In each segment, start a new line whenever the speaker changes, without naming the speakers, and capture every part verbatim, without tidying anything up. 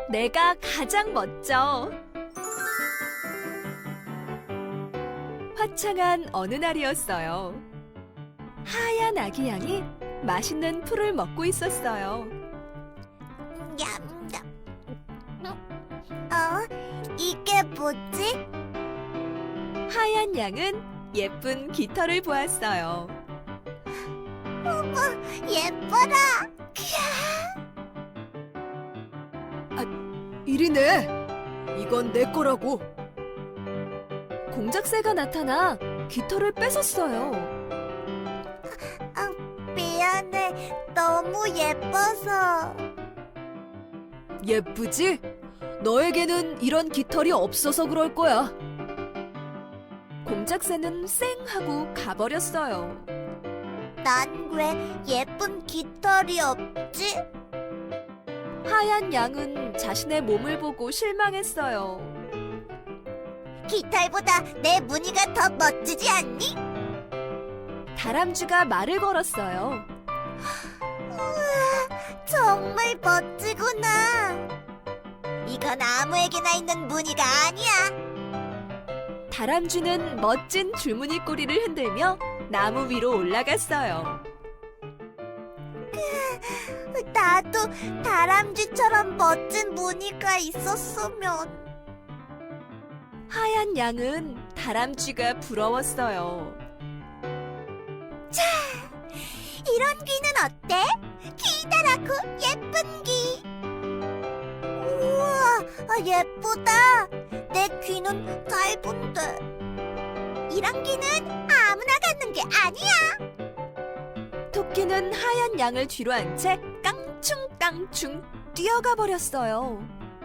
내가 가장 멋져. 화창한 어느 날이었어요. 하얀 아기 양이 맛있는 풀을 먹고 있었어요.
냠냠. 어? 이게 뭐지?
하얀 양은 예쁜 깃털을 보았어요.
어머, 예뻐라.
이리네. 이건 내 거라고. 공작새가 나타나 깃털을 뺏었어요.
아, 미안해. 너무 예뻐서.
예쁘지? 너에게는 이런 깃털이 없어서 그럴 거야. 공작새는 쌩 하고 가버렸어요.
난 왜 예쁜 깃털이 없지?
하얀 양은 자신의 몸을 보고 실망했어요.
깃털보다 내 무늬가 더 멋지지 않니?
다람쥐가 말을 걸었어요.
우와, 정말 멋지구나. 이건 아무에게나 있는 무늬가 아니야.
다람쥐는 멋진 줄무늬 꼬리를 흔들며 나무 위로 올라갔어요.
나도 다람쥐처럼 멋진 무늬가 있었으면.
하얀 양은 다람쥐가 부러웠어요.
이런 귀는 어때? 기다랗고 예쁜 귀. 우와, 아, 예쁘다. 내 귀는 짧은데. 이런 귀는 아무나 갖는 게 아니야.
토끼는 하얀 양을 뒤로 한 채 깡충깡충 뛰어가 버렸어요.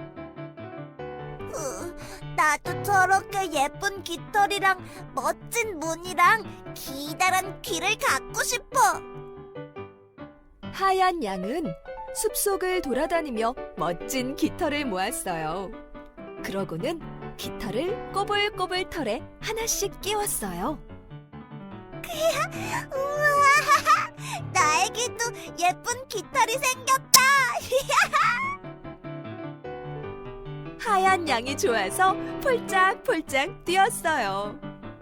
으, 나도 저렇게 예쁜 깃털이랑 멋진 무늬랑 기다란 귀를 갖고 싶어.
하얀 양은 숲속을 돌아다니며 멋진 깃털을 모았어요. 그러고는 깃털을 꼬불꼬불 털에 하나씩 끼웠어요.
우와, 나에게도 예쁜 깃털이 생겼다.
하얀 양이 좋아서 폴짝폴짝 뛰었어요.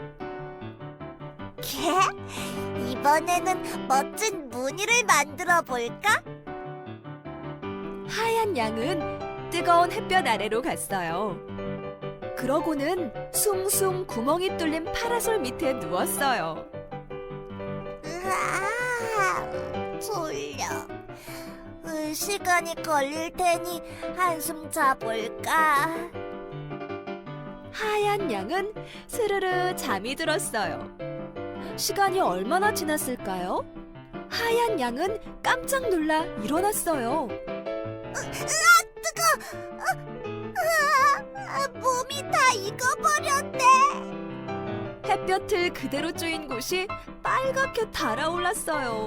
이번에는 멋진 무늬를 만들어 볼까?
하얀 양은 뜨거운 햇볕 아래로 갔어요. 그러고는 숭숭 구멍이 뚫린 파라솔 밑에 누웠어요.
으아, 졸려. 으, 시간이 걸릴 테니 한숨 자볼까?
하얀 양은 스르르 잠이 들었어요. 시간이 얼마나 지났을까요? 하얀 양은 깜짝 놀라 일어났어요.
으아, 뜨거! 으아, 몸이 다 익어버렸네.
햇볕을 그대로 쬐인 곳이 빨갛게 달아올랐어요.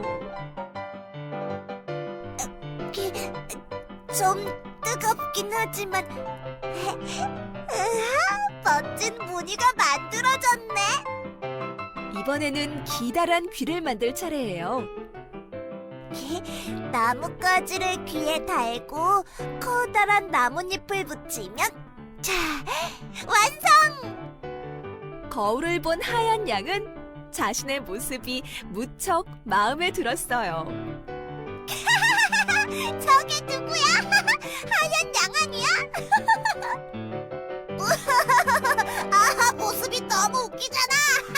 좀 뜨겁긴 하지만 으아, 멋진 무늬가 만들어졌네.
이번에는 기다란 귀를 만들 차례예요.
나뭇가지를 귀에 달고 커다란 나뭇잎을 붙이면 자, 완성!
거울을 본 하얀 양은 자신의 모습이 무척 마음에 들었어요.
저게 누구야? 하얀 양 아니야? 아, 모습이 너무 웃기잖아.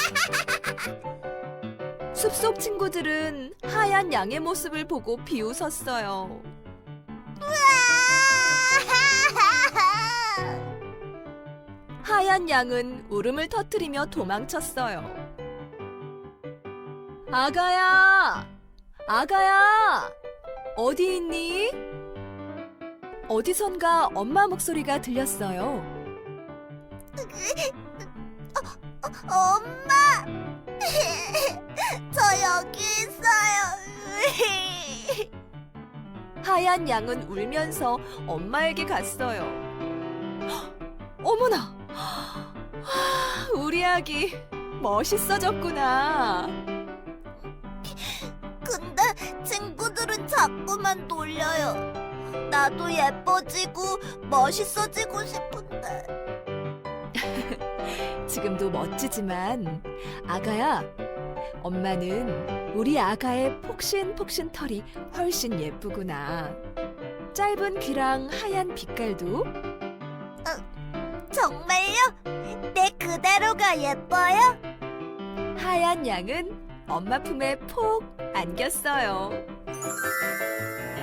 숲속 친구들은 하얀 양의 모습을 보고 비웃었어요. 하얀 양은 울음을 터뜨리며 도망쳤어요. 아가야! 아가야! 어디 있니? 어디선가 엄마 목소리가 들렸어요.
엄마! 저 여기 있어요.
하얀 양은 울면서 엄마에게 갔어요. 어머나! 우리 아기 멋있어졌구나.
근데 친구들은 자꾸만 놀려요. 나도 예뻐지고 멋있어지고 싶은데.
지금도 멋지지만 아가야, 엄마는 우리 아가의 폭신폭신 털이 훨씬 예쁘구나. 짧은 귀랑 하얀 빛깔도
정말요? 내 그대로가 예뻐요?
하얀 양은 엄마 품에 폭 안겼어요.